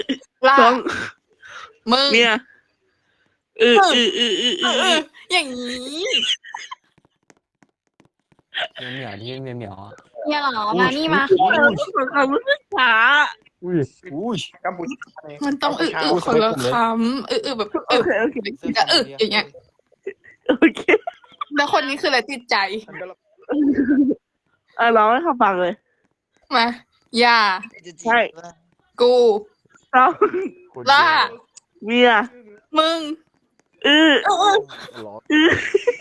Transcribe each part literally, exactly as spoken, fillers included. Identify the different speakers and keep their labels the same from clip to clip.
Speaker 1: ล่า
Speaker 2: สอง
Speaker 1: มึง
Speaker 2: เมียเออเออเออเออเอ
Speaker 1: เออเอ
Speaker 2: อ
Speaker 1: ออย่างนี้
Speaker 3: เหมียวเหมียวที่เมียวเหมียวอะ
Speaker 4: เนี่ยเหรอมานี่มา
Speaker 2: เออต้องขอคำรู้สึกช้า
Speaker 3: อุ้ย
Speaker 5: อุ้ยกัมพูชา
Speaker 1: มันต้องอึอึคนละคำอึอึแบบ
Speaker 2: โอ
Speaker 1: อึ
Speaker 2: เคโอเค
Speaker 1: จะอึอย่างเงี้ย
Speaker 2: โอเค
Speaker 1: แล้วคนนี้คืออะไรติดใจ
Speaker 2: เออร้องให้เขาฟังเลย
Speaker 1: มาอย่า
Speaker 2: ใช่
Speaker 1: กู
Speaker 2: สอง
Speaker 1: ล่า
Speaker 2: เมีย
Speaker 1: มึง
Speaker 2: เออ
Speaker 1: เออเออ
Speaker 3: ร้อน
Speaker 2: เออ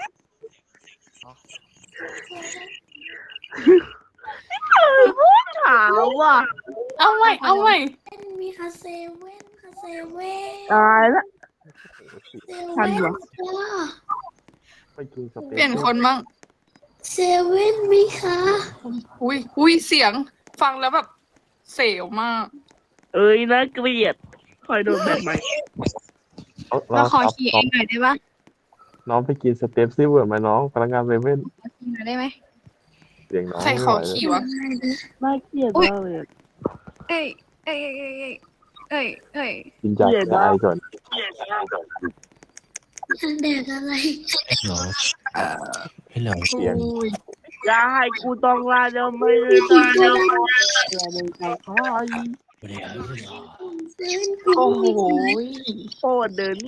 Speaker 2: ถามว่ะ
Speaker 1: เอาใหม่เอาใหม่
Speaker 4: มีคาเซเว่นคาเซเว่น
Speaker 2: ตายละ
Speaker 4: เซ
Speaker 2: ทัน
Speaker 4: เว่
Speaker 2: เหรอ
Speaker 4: นค่ะ
Speaker 3: ไปกินสเต็ก
Speaker 1: เปลี่ยนคนบ้าง
Speaker 4: เซเว่นมีคะ
Speaker 1: อุ้ยอุ้ยเสียงฟังแล้วแบบเสียวมาก
Speaker 2: เอ้ยน่าเกลียดคอยโดนแบบใหม่
Speaker 4: เราขอขี่เองหน่อยได้ปะ
Speaker 3: น้องไปกินสเต็ปซิเวิร์ดไหมน้องพนักงานเซเว่น
Speaker 4: ขี่หน่อยได้ไหม
Speaker 3: เสียงน้อง
Speaker 1: ใครขอขี่วะ
Speaker 2: น่าเกลียดมากเลยอะ
Speaker 4: เอ้ยเอ้ยเอ้ยเอ้ยเอ้ยเอ้ย
Speaker 3: กินจากใจก่อน
Speaker 4: ฉันแดกอะไร
Speaker 3: น้องให้เราเสียง
Speaker 1: อุ้ย
Speaker 2: อย่าให้กูต้องลาเดี๋ยวไม่ได้ตายเดี๋ยวไม่ได้เดี๋ยวไม่ได้คอย
Speaker 4: เซเว่น
Speaker 1: โอ้โห
Speaker 2: โคตรเดินหนี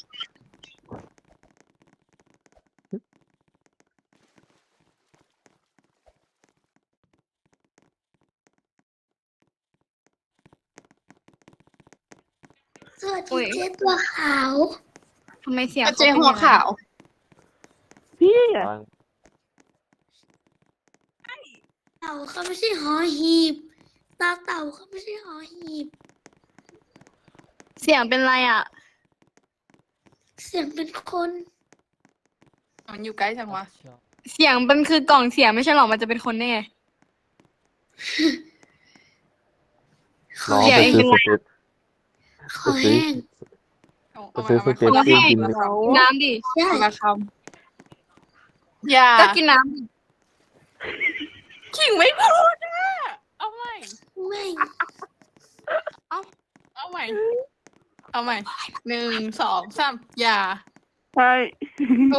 Speaker 4: สวัสดีเจ๊ตัวขาวทำไมเสียง
Speaker 1: เจ๊หัวขาว
Speaker 2: พี่อะ
Speaker 3: ฟัง
Speaker 4: เต่าเขาไม่ใช่หอหีบตาเต่าเขาไม่ใช่หอหีบ เสียงเป็นไรอ่ะ เสียงเป็นคน
Speaker 1: มันอยู่ใกล้จังวะ
Speaker 4: เสียงมันคือกล่องเสียงไม่ใช่หรอมันจะเป็นคนได้ไง
Speaker 3: น้องไปซื้อสเต็ป
Speaker 4: ขอแห้ง
Speaker 3: ไปซื้อสเต็ป
Speaker 1: คนละ
Speaker 3: ที่
Speaker 1: คำ
Speaker 3: กิน
Speaker 1: คนละค
Speaker 4: น้ำดิ
Speaker 1: ำคนละคำอย่า
Speaker 4: ก็กินน้
Speaker 1: ขิงไม่พูดนะเอาใหม่
Speaker 4: ำไม่
Speaker 1: เอาใหม่ เอาใหม่หนึ่งสองสามอย่า
Speaker 2: ใช่
Speaker 1: กู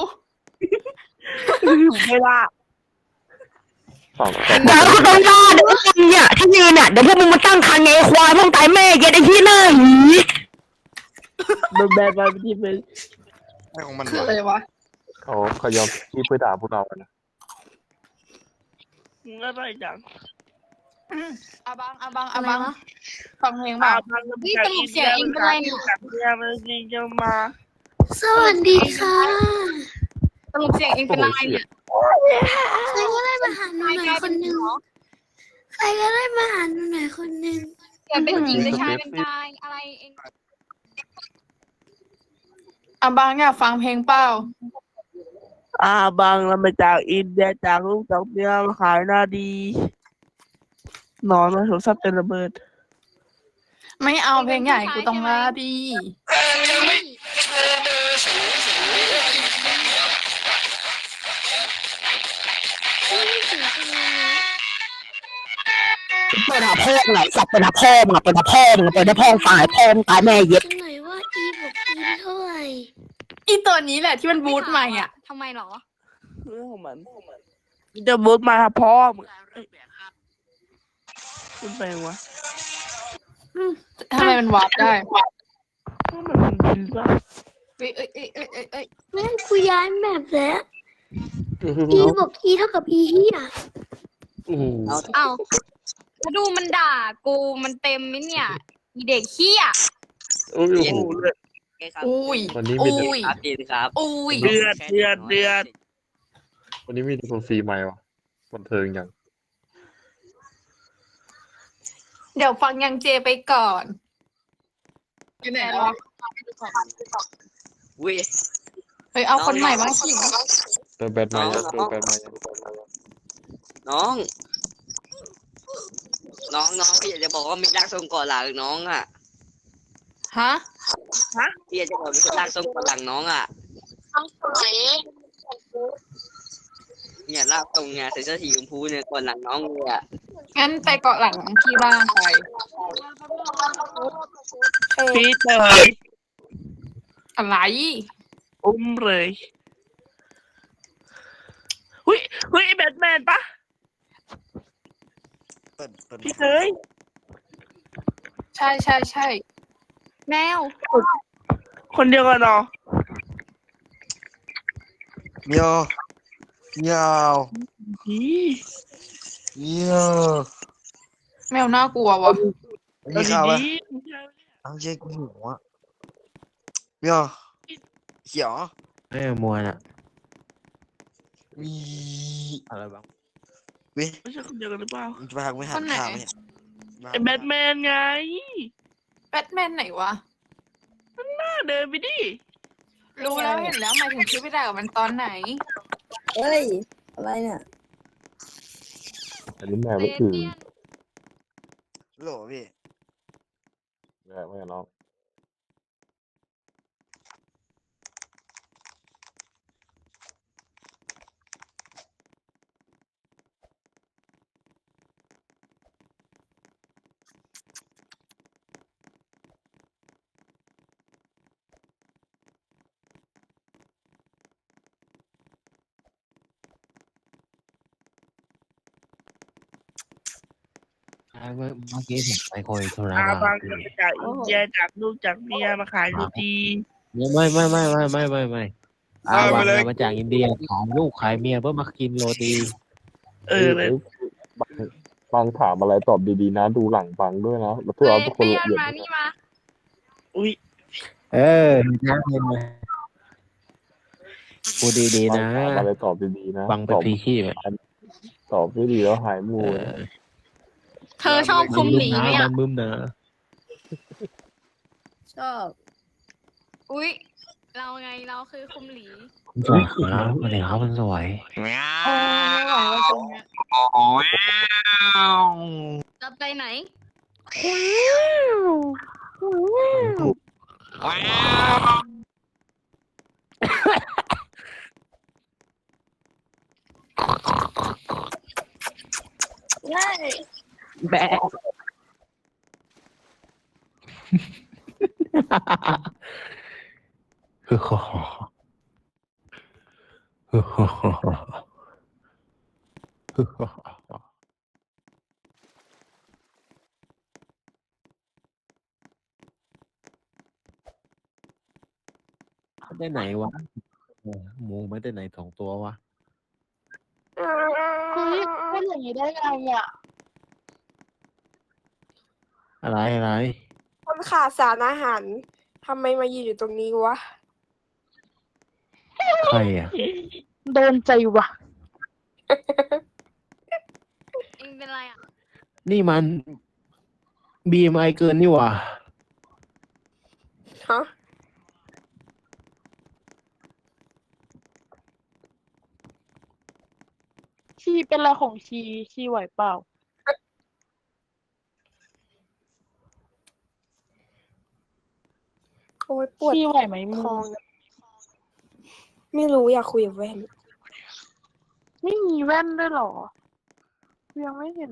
Speaker 2: ไม่ละ
Speaker 3: สองสอง
Speaker 6: เดี๋ยวกูต้องรอเดี๋ยวมึงเนี่ยที่ยืนเนี่ยเดี๋ยวพวกมึงมาตั้งคันไงควายพวกตายแม่เย็ดไอ้ที่หน้าหี
Speaker 2: โดนแบนมาเป็นทีเป็น
Speaker 5: อะไรของมัน
Speaker 1: คือ
Speaker 5: วะ
Speaker 1: อะไรวะ
Speaker 3: เขาเขายอมที่เพื่อด่าพวกเราอะนะ
Speaker 2: มึงอะไรจัง
Speaker 1: อาบังอาบังอา
Speaker 4: อะไร
Speaker 1: บัง
Speaker 4: วะ
Speaker 1: ฟังเพลง
Speaker 2: อา
Speaker 1: บ้าง
Speaker 2: พังกับ
Speaker 4: นี่สรุปเสียงเองเป็นไรเนี่ย
Speaker 2: กับเมียมันจริงจะมา
Speaker 4: สวัสดีค่ะ
Speaker 1: สรุปเสียงเองเป็นอะไรเนี่ย
Speaker 4: ใครก็ได้มาหาหนูหน่อยคนหนึ่งใครก็ได้มาหาหนูหน่อยคนหนึ่ง
Speaker 1: เสียงเป็นหญิงเป็นชายเป็นชายอะไรเองอาบังอยากฟังเพลงเปล่า
Speaker 2: อาบังเรามาจากอินเดียจากลูกจากเมียมาขายหน้าดีนอนมาโทรศัพท์เป็นระเบิด
Speaker 1: ไม่เอาเพลงใหญ่กูต้องลาดี
Speaker 6: เปิดหาพ่อมึงไหนสับเปิดหาพ่อมึงอะเปิดหาพ่อมึงอะเปิดหาพ่อมึงตายพ่อมึงตายแม่เย็ด
Speaker 4: ฉันหน่อยว่าอีบอกอีเท่าไหร่
Speaker 1: อีตัวนี้แหละที่มันบูทใหม่อ่ะ
Speaker 4: ทำไมหรอ
Speaker 2: เรื่องของมันจะบูทมาหาพ่อมึงคุณแปลงวะ
Speaker 1: ทำไมมันวาร์ปได้
Speaker 2: ก็มันมันบินป่ะ
Speaker 1: เอ้ยเอ้ยเอ้ยเอ้ยเอ้ยเอ้ย
Speaker 4: แม่งกูย้ายแบบแล้วอีบอกอีเท่ากับอีเฮีย
Speaker 3: อืม
Speaker 4: เอ้ามาดูมันด่ากูมันเต็มมิเนี่ยอีเด็กเฮีย
Speaker 3: โอ้ย
Speaker 2: โอ้โหเลือด
Speaker 1: อุ้ย
Speaker 3: วันนี้มีแต่
Speaker 1: อุ้ย
Speaker 7: ครับดีครับ
Speaker 1: อุ้ย
Speaker 2: เดือดเดือดเดือด
Speaker 3: วันนี้มีแต่คนฟรีใหม่วะบันเทิงอย่าง
Speaker 1: เดี๋ยวฟังยังเจไปก่อนไปไหนแล้ว
Speaker 7: อุ้ย
Speaker 1: เฮ้ยเอาคนใหม่บ้างสิ
Speaker 3: เติมแบตใหม่ยังเติมแบตใหม่ยัง
Speaker 7: น้อง น้องน้องพี่อยากจะบอกว่ามีร่างทรงก่อนหลังน้องอ่ะ
Speaker 1: ฮะ
Speaker 7: พี่อยากจะบอกมีคนร่างทรงก่อนหลังน้องอ่ะเนี่ยร่างทรงเนี่ยใส่เสื้อสีชมพูเนี่ยก่อนหลังน้องเลยอ่ะ
Speaker 1: งั้นไปเกาะหลังที่บ้านไป
Speaker 2: พี่เตย
Speaker 1: อะไร
Speaker 2: อุ้มเลยหุยหุยแบทแมนปะ
Speaker 5: เปิดเปิด
Speaker 2: พี่เตย
Speaker 1: ใช่ใช่ใช่แมว
Speaker 2: คนเดียวกันเนาะ
Speaker 5: เมียวเมียว
Speaker 2: อี
Speaker 5: เมียว
Speaker 1: แมวน่ากลัววะ
Speaker 5: มีข่าวไหม
Speaker 2: ดี
Speaker 5: เอาเช็คหัวเมียวเขียว
Speaker 6: ไม่มัวน่ะ
Speaker 5: มี
Speaker 6: อะไรบ้าง
Speaker 5: เว้ย
Speaker 2: ๆไม่ใช่คนเดียวกันหรือเปล่า
Speaker 5: จะไปหักไม่หั
Speaker 1: ค
Speaker 5: ก
Speaker 1: นไหน
Speaker 5: ข่าวไหมเนี่ย
Speaker 2: ไอ้แบทแมนไง
Speaker 1: แบทแมนไหนวะ
Speaker 2: น่าเดินไปดิ
Speaker 1: รู้แล้วเห็นแล้วหมายถึงชื่อไปด่ากับมันตอนไหน
Speaker 8: เฮ้ย อะไรเนี่ย
Speaker 3: อันนี้แมวไม่ถือ
Speaker 5: โหลพี่
Speaker 3: แมวไม่น้อง
Speaker 6: เมื่อเมื่อกี้ผมไปคุยธุระ
Speaker 2: อา
Speaker 6: มา
Speaker 2: บางก็มาจากอินเดียจากลูกจากเมียมาขายโรตี
Speaker 6: ไม่ไม่ไม่ไม่ไม่ไม่ไม่อา
Speaker 5: เอาไป
Speaker 6: บัง
Speaker 5: เลย
Speaker 6: มาจากอินเดียขายลูกขายเมียเพื่อมากินโรตี
Speaker 2: เออเลย
Speaker 3: ฟังถามอะไรตอบดีๆนะ ดูหลังฟังด้วยนะแล้วเพื่อเอาทุกคน
Speaker 1: เปีย
Speaker 3: ละ
Speaker 1: น
Speaker 3: เอียด
Speaker 1: มานี่มา
Speaker 2: อุ้ย
Speaker 6: เออนะพูดดีๆ
Speaker 3: ฟัง
Speaker 6: นะ
Speaker 3: ถามอะไรตอบดีๆนะ
Speaker 6: ฟังไป
Speaker 3: ตอบ
Speaker 6: พีชีพอะ
Speaker 3: ตอบไม่ดีแล้วหายมู
Speaker 6: เอ
Speaker 3: นะ
Speaker 6: อ
Speaker 1: เธอชอบคุมหลีไหม
Speaker 6: มั
Speaker 1: อ่ะ
Speaker 6: นมึมนะ
Speaker 8: ชอบ
Speaker 1: อุ๊ย เราไงเราคือคุมหลี
Speaker 6: คุณสวยครับสวัสดีครับคุณสวย
Speaker 1: โอ้ไม่ไหวแล้วตรงเนี้ยจะไปไหน
Speaker 6: แบะฮึฮ่าฮ่าฮึฮ่าฮ่าฮึฮ่าฮ่าได้ไหนวะเออหมูไม่ได้ไหนสองตัววะ
Speaker 1: เฮ้ยเป็นอย่างนี้ได้ไงอ่ะ
Speaker 6: อะไรอะไร
Speaker 9: คนขาดสารอาหารทำไมมายืนอยู่ตรงนี้วะ
Speaker 6: ใครอ่ะ
Speaker 1: โดนใจวะเองเป็นไรอ่ะ
Speaker 6: นี่มัน บี เอ็ม ไอ เกินนี่หว่า
Speaker 9: ฮะ
Speaker 1: ชีเป็นอะไรของชีชีไหวเปล่า
Speaker 9: โอ้ยปวด
Speaker 1: ชีไหวไหมมึ
Speaker 9: ท้อง งอะไม่รู้อยากคุยกับแว่น
Speaker 1: ไม่มีแว่นด้วยเหรอ ยังไม่เห็น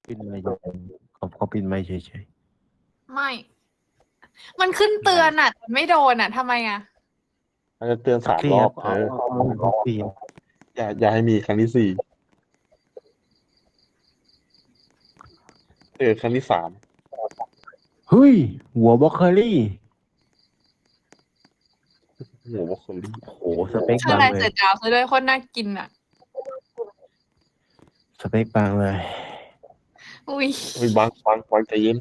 Speaker 10: ปิดไมค์เขาเขาปิดไมค์เฉย
Speaker 1: ไม่ มันขึ้นเตือนอ่ะแต่ไม่โดนอ่ะทำไมอ่ะ
Speaker 3: มันจะเตือน
Speaker 10: ๆ
Speaker 3: สาม
Speaker 10: เสี
Speaker 3: ร
Speaker 10: ย
Speaker 3: อ
Speaker 10: บบ
Speaker 3: เออ
Speaker 10: เอาเอาเอาเสียบ
Speaker 3: อย่าอย่าให้มีครั้งที่สี่เออครั้งที่สาม
Speaker 10: เฮ้ย หัวบล็อกเคอรี่
Speaker 3: โหัวบล็อกโคลี่
Speaker 10: โอ้โหสเปค
Speaker 1: ข้าง
Speaker 10: บาง
Speaker 1: ใน
Speaker 10: เล
Speaker 1: เสื
Speaker 10: ย
Speaker 1: อดาวซะด้วยโคตรน่ากินอ่ะ
Speaker 10: สเปคบางเลย
Speaker 1: อุ้ย
Speaker 3: เฮ้ยบังบังบังใจเย็น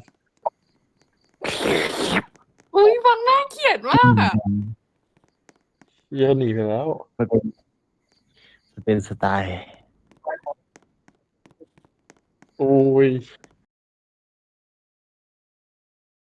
Speaker 1: อุ้ยฟังน่าเกลียดมากอ่ะ
Speaker 3: เหี้ยอะหนีไปแล้ว
Speaker 10: มันเป็นมันเป็นสไตล์
Speaker 3: โอ้ย